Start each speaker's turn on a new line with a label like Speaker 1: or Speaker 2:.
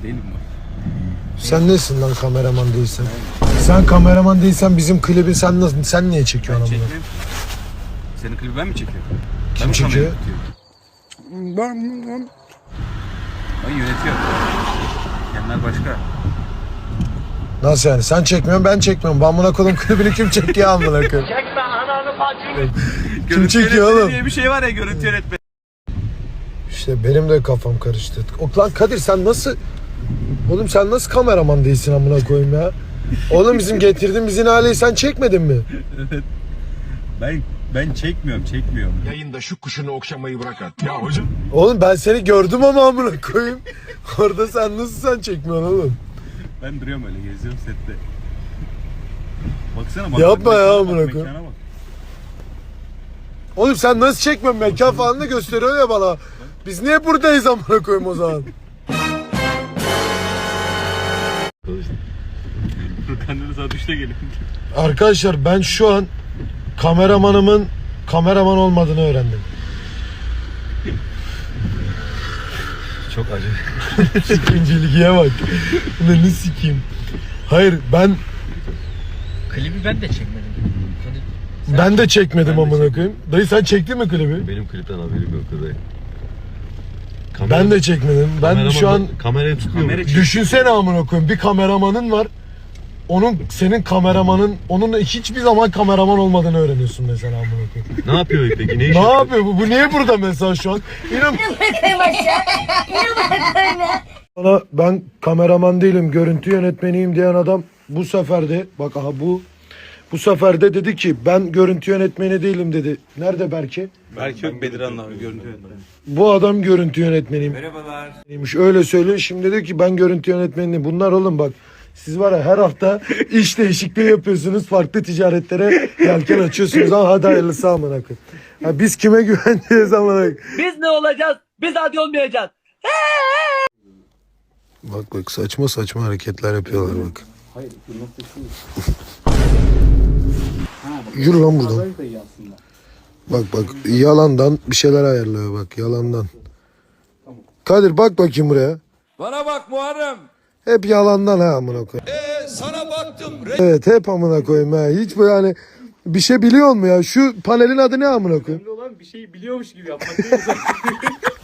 Speaker 1: Değilim mi?
Speaker 2: Sen nesin lan kameraman değilsen? Sen kameraman değilsen bizim klibi sen niye çekiyorsun
Speaker 1: Ben
Speaker 2: bunu?
Speaker 1: çekmem. Senin klibi ben mi çekiyorum?
Speaker 2: Kim
Speaker 1: Ben mi
Speaker 2: çekiyor?
Speaker 1: Ben yönetiyorum. Kendiler başka.
Speaker 2: Nasıl yani? Sen çekmiyorsun, ben çekmiyorum. Ben buna koydum klibini kim çekiyor amına koyayım?
Speaker 3: Çekme ananı bacını.
Speaker 2: Kim çekiyor
Speaker 1: yönetmeni
Speaker 2: oğlum?
Speaker 1: diye bir şey var ya, görüntü yönetmeni.
Speaker 2: İşte benim de kafam karıştı. Lan Kadir sen nasıl... Oğlum sen nasıl kameraman değilsin amına koyayım ya? Oğlum bizim getirdiğimiz inhaleyi sen çekmedin mi?
Speaker 1: Evet. Ben çekmiyorum.
Speaker 4: Yayında şu kuşunu okşamayı bırak at. Ya hocam.
Speaker 2: Oğlum ben seni gördüm ama amına koyayım. Orada sen çekmiyorsun oğlum?
Speaker 1: Ben duruyorum öyle, geziyorum sette. Baksana bak.
Speaker 2: Yapma
Speaker 1: mekana
Speaker 2: ya,
Speaker 1: bak,
Speaker 2: amına
Speaker 1: mekana
Speaker 2: koyayım.
Speaker 1: bak.
Speaker 2: Oğlum sen nasıl çekmiyorsun? Mekan falan da gösteriyor ya bana. Biz niye buradayız amına koyayım o zaman?
Speaker 1: Kendini saat 3'te gelin.
Speaker 2: Arkadaşlar ben şu an kameramanımın kameraman olmadığını öğrendim.
Speaker 1: Çok acı.
Speaker 2: Sikinciliğe bak. Ne sikeyim. Hayır ben
Speaker 5: Klibi ben de çekmedim.
Speaker 2: ben de çekmedim amına koyayım. Dayı sen çektin mi klibi?
Speaker 6: Benim klipten haberim yok dayı.
Speaker 2: Ben de çekmedim. Ben şu an
Speaker 6: kamerayı tutuyorum.
Speaker 2: düşünsene amına koyayım. Bir kameramanın var. Senin kameramanın onun hiçbir zaman kameraman olmadığını öğreniyorsun mesela amına koyayım.
Speaker 6: Ne yapıyor peki? Ne iş
Speaker 2: Ne
Speaker 6: yapıyor?
Speaker 2: yapıyor bu? Bu niye burada mesela şu an? Bana ben kameraman değilim, görüntü yönetmeniyim diyen adam bu sefer de bak aha bu sefer de dedi ki ben görüntü yönetmeni değilim dedi. Nerede Berke?
Speaker 1: Belki yok Bedirhan abi, görüntü yönetmeni.
Speaker 2: Bu adam görüntü yönetmeniyim. Merhabalar. Öyle söylüyor. Şimdi diyor ki ben görüntü yönetmeniyim. Bunlar oğlum bak. Siz var ya her hafta iş değişikliği yapıyorsunuz. Farklı ticaretlere yelken açıyorsunuz. Ama hadi hayırlısı amına koyayım. Ha, biz kime güveneceğiz amına koyayım?
Speaker 3: Biz ne olacağız? Biz hadi olmayacağız.
Speaker 2: Bak saçma saçma hareketler yapıyorlar bak. Yürü lan buradan. Bak yalandan bir şeyler ayarlıyor bak yalandan. Kadir bak bakayım buraya.
Speaker 7: Bana bak Muharrem.
Speaker 2: Hep yalandan ha amına koyayım.
Speaker 7: Sana baktım.
Speaker 2: Evet hep amına koyayım ha. Hiç böyle hani bir şey biliyor mu ya? Şu panelin adı ne amına koyayım?
Speaker 5: Olan bir şeyi biliyormuş gibi yapmak değil mi?